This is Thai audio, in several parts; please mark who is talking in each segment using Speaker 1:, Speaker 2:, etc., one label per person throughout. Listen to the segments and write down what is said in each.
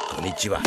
Speaker 1: こんにちは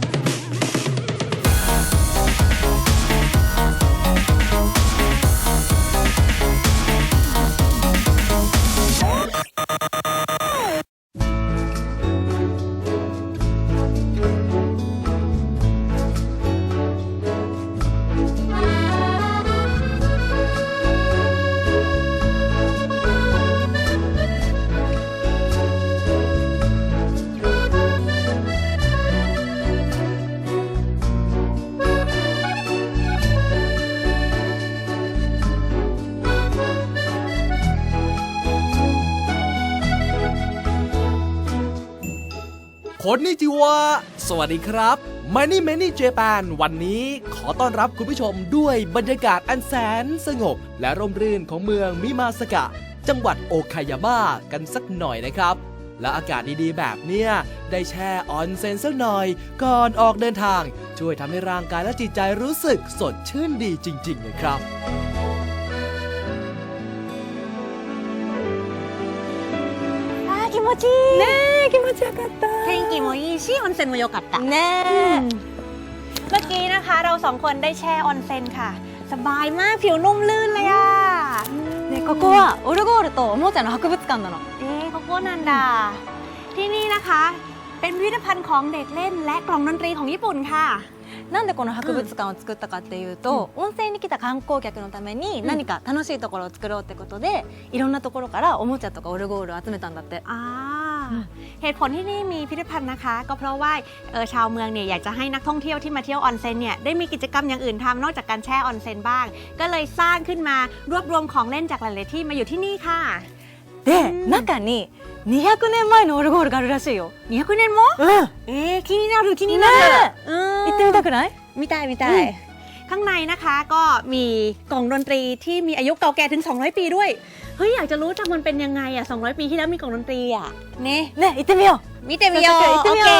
Speaker 2: คนนิจิวะสวัสดีครับ Many Japan วันนี้ขอต้อนรับคุณผู้ชมด้วยบรรยากาศอันแสนสงบและร่มรื่นของเมืองมิมาสกะจังหวัดโอคายาม่ากันสักหน่อยนะครับและอากาศดีๆแบบเนี้ยได้แช่ออนเซ็นสักหน่อยก่อนออกเดินทางช่วยทำให้ร่างกายและจิตใจรู้สึกสดชื่นดีจริงๆเลยครับ
Speaker 3: 気持ちいい
Speaker 4: ねえ気持ちよかった
Speaker 3: 天気もいいし温泉も良かった
Speaker 4: ねえ
Speaker 3: เมื่อกี้นะคะเราสองคนได้แช่ออนเซ็นค่ะสบายมากผิวนุ่มลื่นเลยอ่ะ
Speaker 4: ねここはオルゴールとおもちゃの博物館なの
Speaker 3: โคโค่นันดาที่นี่นะคะเป็นพิพิธภัณฑ์ของเด็กเล่นและกล่องดนตรีของญี่ปุ่นค่ะ
Speaker 4: なんでこの博物館を作ったかっていうと、温泉に来た観光客のために何か楽しいところを作ろうってことで、いろんなところからおもちゃとかオルゴールを集めたんだって。
Speaker 3: เหตุผลที่นี่มีพิพิธภัณฑ์นะคะก็เพราะว่าชาวเมืองเนี่ยอยากจะให้นักท่องเที่ยวที่มาเที่ยวออนเซ็นเนี่ยได้มีกิจกรรมอย่างอื่นทำนอกจากการแช่ออนเซ็นบ้างก็เลยสร้างขึ้นมารวบรวมของเล่นจากหลายๆที่มาอยู่ที่นี่ค่ะ
Speaker 4: で、中に200年前のオルゴールがあるらしいよ。
Speaker 3: 200年も？気になる気になる。
Speaker 4: 行ってみたくない？
Speaker 3: 見たい見たい。ข้างในนะคะก็มีกล่องดนตรีที่มีอายุเก่าแก่ถึง200ปีด้วยเฮ้ยอยากจะรู้จังมันเป็นยังไงอ่ะ200ปีที่แล้วมีกล่องดนตรีอ่ะね
Speaker 4: 行ってみよう。
Speaker 3: 見てみよう。
Speaker 4: 行ってみよ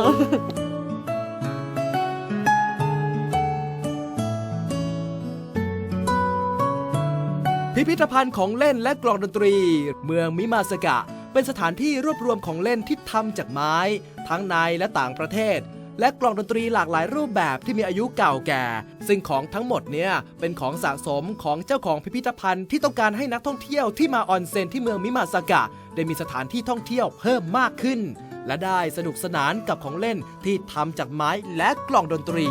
Speaker 2: พิพิธภัณฑ์ของเล่นและกล่องดนตรีเมืองมิมาสกะเป็นสถานที่รวบรวมของเล่นที่ทำจากไม้ทั้งในและต่างประเทศและกล่องดนตรีหลากหลายรูปแบบที่มีอายุเก่าแก่ซึ่งของทั้งหมดเนี่ยเป็นของสะสมของเจ้าของพิพิธภัณฑ์ที่ต้องการให้นักท่องเที่ยวที่มาออนเซ็นที่เมืองมิมาสกะได้มีสถานที่ท่องเที่ยวเพิ่มมากขึ้นและได้สนุกสนานกับของเล่นที่ทำจากไม้และกล่องดนตรี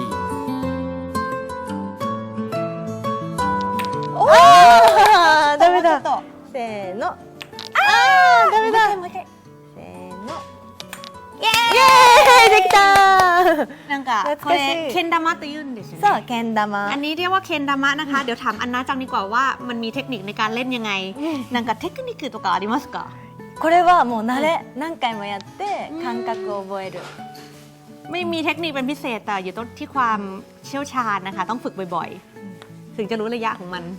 Speaker 4: ダメだ。せーの。ダメだ。せーの。イエーイできた
Speaker 3: なんかこれけん玉と言うんですよね
Speaker 4: そうけん玉
Speaker 3: อันนี้เรียกว่าเคนดามะนะคะเดี๋ยวถามอันนาจังดีกว่าว่ามันมีเทคนิคในการเล่นยังไงなんかテクニックとかありますか
Speaker 4: これはもう慣れ何回もやって感覚を覚える
Speaker 3: ไม่มีเทคนิคเป็นพิเศษแต่อยู่ที่ความเชี่ยวชาญนะคะต้องฝึกบ่อยๆถึงจะรู้ระยะของมัน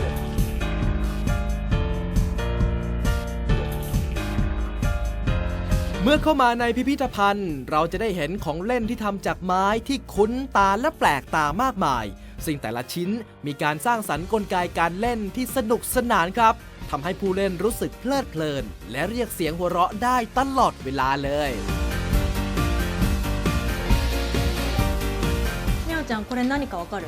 Speaker 2: เมื่อเข้ามาในพิพิธภัณฑ์เราจะได้เห็นของเล่นที่ทำจากไม้ที่คุ้นตาและแปลกตามากมายซึ่งแต่ละชิ้นมีการสร้างสรรค์กลไกการเล่นที่สนุกสนานครับทำให้ผู้เล่นรู้สึกเพลิดเพลินและเรียกเสียงหัวเราะได้ตลอดเวลาเลย
Speaker 4: みゃおちゃんこれ何かわかる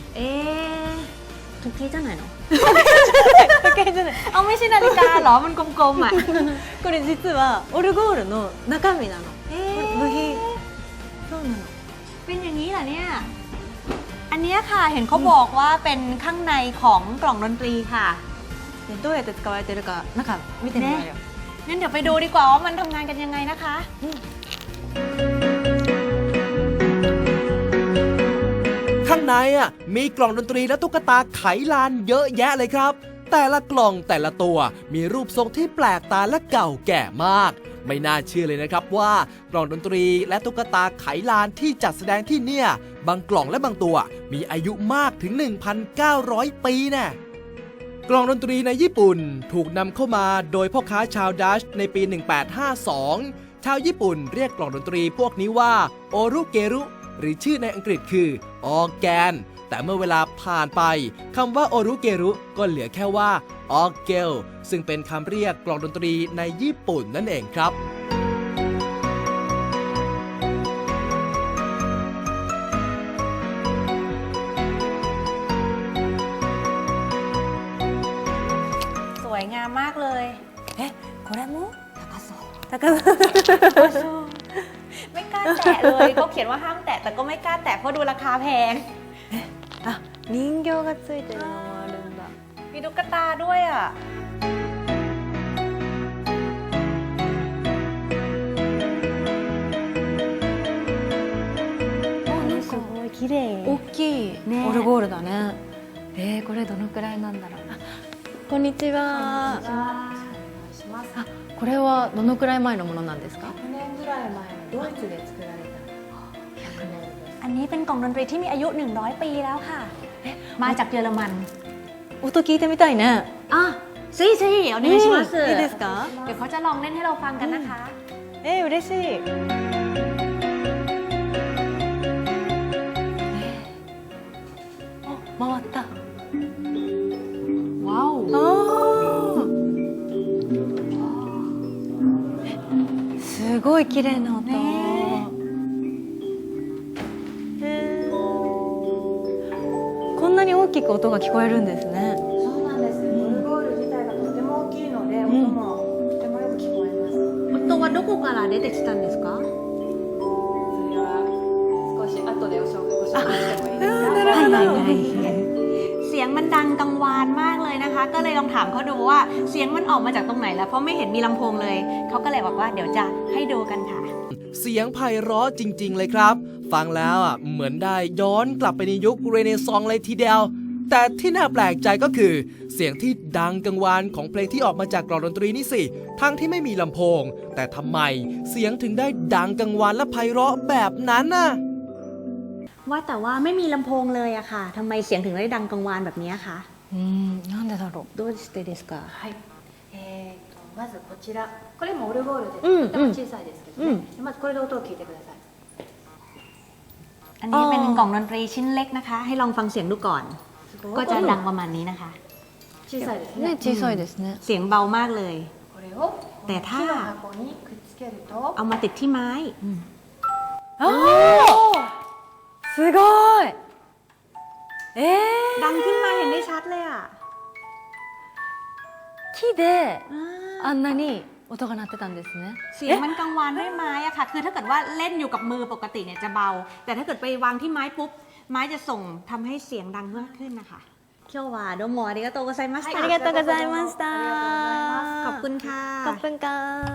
Speaker 3: 時計じゃないの
Speaker 4: 時計じゃない
Speaker 3: เอาไม่ใช่นาฬิกาเหรอมันกลมๆอ่ะ
Speaker 4: これ実はオルゴールの中身なの部品そうなの
Speaker 3: เป็นอย่างนี้เหรอเนี่ยอันนี้ค่ะเห็นเขาบอกว่าเป็นข้างในของกล่องดนตรีค่ะ
Speaker 4: どうやって使われてるか中見てみようよ
Speaker 3: งั้นเดี๋ยวไปดูดีกว่าว่ามันทำงานกันยังไงนะคะ
Speaker 2: ข้างในมีกล่องดนตรีและตุ๊กตาไขลานเยอะแยะเลยครับแต่ละกล่องแต่ละตัวมีรูปทรงที่แปลกตาและเก่าแก่มากไม่น่าเชื่อเลยนะครับว่ากล่องดนตรีและตุ๊กตาไขลานที่จัดแสดงที่เนี่ยบางกล่องและบางตัวมีอายุมากถึง 1,900 ปีแน่กล่องดนตรีในญี่ปุ่นถูกนำเข้ามาโดยพ่อค้าชาวดัชในปี 1852 ชาวญี่ปุ่นเรียกกล่องดนตรีพวกนี้ว่าโอรุเกรุหรือชื่อในอังกฤษคือออร์แกนแต่เมื่อเวลาผ่านไปคำว่าโอรุเกรุก็เหลือแค่ว่าออร์เกลซึ่งเป็นคำเรียกกลองดนตรีในญี่ปุ่นนั่นเองครับ
Speaker 4: 高田
Speaker 3: ไม่กล้าแตะเลยเขาเขียนว่าห้ามแตะแต่ก็ไม่กล้าแตะเพราะดูราคาแพง
Speaker 4: あ人形がついてるのもあるんだ
Speaker 3: มีตุ๊กตาด้วยอ่ะ すごい綺麗
Speaker 4: 大きい
Speaker 3: ね
Speaker 4: オルゴールだねこれどのくらいなんだろうあこんにちはあこれはどのくらい前のものなんですか
Speaker 1: 100年ぐらい前のドイツで作られた100年です。
Speaker 3: อันนี้เป็นกล่องดนตรีที่มีอายุ 100 ปีแล้วค่ะ มาจากเยอรมัน
Speaker 4: 音聞いてみたいね
Speaker 3: อ่ะซีซีเอาねします
Speaker 4: いいですか
Speaker 3: เดี๋ยวเขาจะลองเล่นให้เราฟังกันนะคะ
Speaker 4: 嬉しい回った
Speaker 3: ว้าว
Speaker 4: すごい綺麗な音、
Speaker 3: ね
Speaker 4: こんなに大きく音が聞こえるんですね
Speaker 1: そうなんです。オルゴール自体がとても大きいので、音もとてもよく聞こえます。
Speaker 3: 音はどこから出てきたんですか？
Speaker 1: それは少し後でご紹介してもいいですか？
Speaker 4: なるほど
Speaker 3: เสียงมันดังกังวานมากเลยนะคะ ก็เลยลองถามเขาดูว่าเสียงมันออกมาจากตรงไหนแล้วเพราะไม่เห็นมีลำโพงเลยเขาก็เลยบอกว่าเดี๋ยวจะให้ดูกันค่ะ
Speaker 2: เสียงไพเราะจริง ๆ เลยครับ ฟังแล้วเหมือนได้ย้อนกลับไปในยุคเรเนซองส์เลยทีเดียว แต่ที่น่าแปลกใจก็คือ เสียงที่ดังกังวานของเพลงที่ออกมาจากกลองดนตรีนี่สิ ทั้งที่ไม่มีลำโพง แต่ทำไมเสียงถึงได้ดังกังวานและไพเราะแบบนั้นน่ะ
Speaker 3: ว่าแต่ว่าไม่มีลำโพงเลยอะค่ะทำไมเสียงถึงได้ดังกังวานแบบนี้คะ
Speaker 4: なんでだろう
Speaker 3: どうしてですか
Speaker 1: はい。まずこちら、これもオルゴールです。とても小さいですけどね。まずこれで音を聞いてください。
Speaker 3: อันนี้เป็นกล่องดนตรีชิ้นเล็กนะคะ ให้ลองฟังเสียงดูก่อน ก็จะดังประมาณนี้นะคะ
Speaker 1: 小さいですね。
Speaker 4: ね小さいですね
Speaker 3: เสียงเบามากเลย
Speaker 1: これを
Speaker 3: で
Speaker 1: 木の箱にくっつけると、
Speaker 3: เอามาติดที่ไม้
Speaker 4: あすごい
Speaker 3: ดังขึ้นมาเห็นได้ชัดเลยอะ
Speaker 4: 木であんなに音が鳴ってたんですね
Speaker 3: เสียงมันกังวานด้วยไม้อะค่ะ คือถ้าเกิดว่าเล่นอยู่กับมือปกติเนี่ยจะเบา แต่ถ้าเกิดไปวางที่ไม้ปุ๊บ ไม้จะส่งทำให้เสียงดังมากขึ้นนะคะ今日はどうもありがとうございました
Speaker 4: ありがとうございました
Speaker 3: ขอบคุณค่ะ
Speaker 4: ขอบคุณค่ะ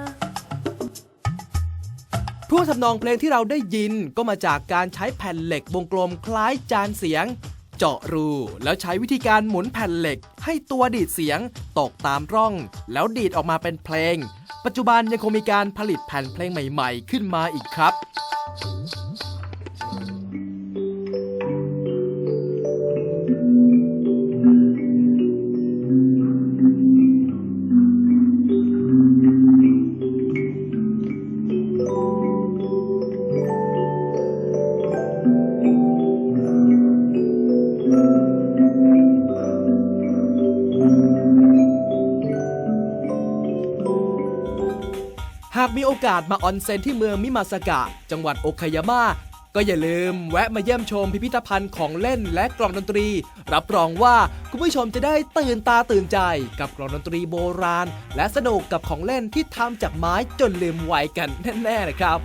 Speaker 2: ท่วงทำนองเพลงที่เราได้ยินก็มาจากการใช้แผ่นเหล็กวงกลมคล้ายจานเสียง เจาะรูแล้วใช้วิธีการหมุนแผ่นเหล็กให้ตัวดีดเสียงตกตามร่อง แล้วดีดออกมาเป็นเพลง ปัจจุบันยังคงมีการผลิตแผ่นเพลงใหม่ๆ ขึ้นมาอีกครับ หากมีโอกาสมาออนเซ็นที่เมืองมิมาซากะ จังหวัดโอคายาม่าก็อย่าลืมแวะมาเยี่ยมชมพิพิธภัณฑ์ของเล่นและกลองดนตรี รับรองว่าคุณผู้ชมจะได้ตื่นตาตื่นใจกับกลองดนตรีโบราณ และสนุกกับของเล่นที่ทำจากไม้จนลืมวัยกันแน่ๆนะครับ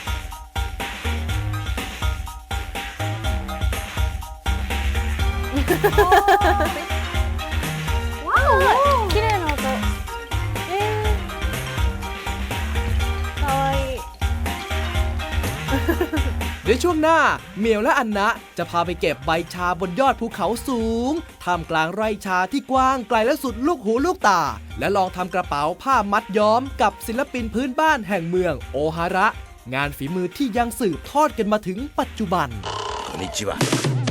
Speaker 4: 綺麗な音かわいい
Speaker 2: เดี๋ยวช่วงหน้าเหมียวและอันนะจะพาไปเก็บใบชาบนยอดภูเขาสูงท่ามกลางไร่ชาที่กว้างไกลและสุดลูกหูลูกตา และลองทำกระเป๋าผ้ามัดย้อมกับศิลปินพื้นบ้านแห่งเมืองโอฮาระ งานฝีมือที่ยังสืบทอดกันมาถึงปัจจุบัน
Speaker 5: こんにちは。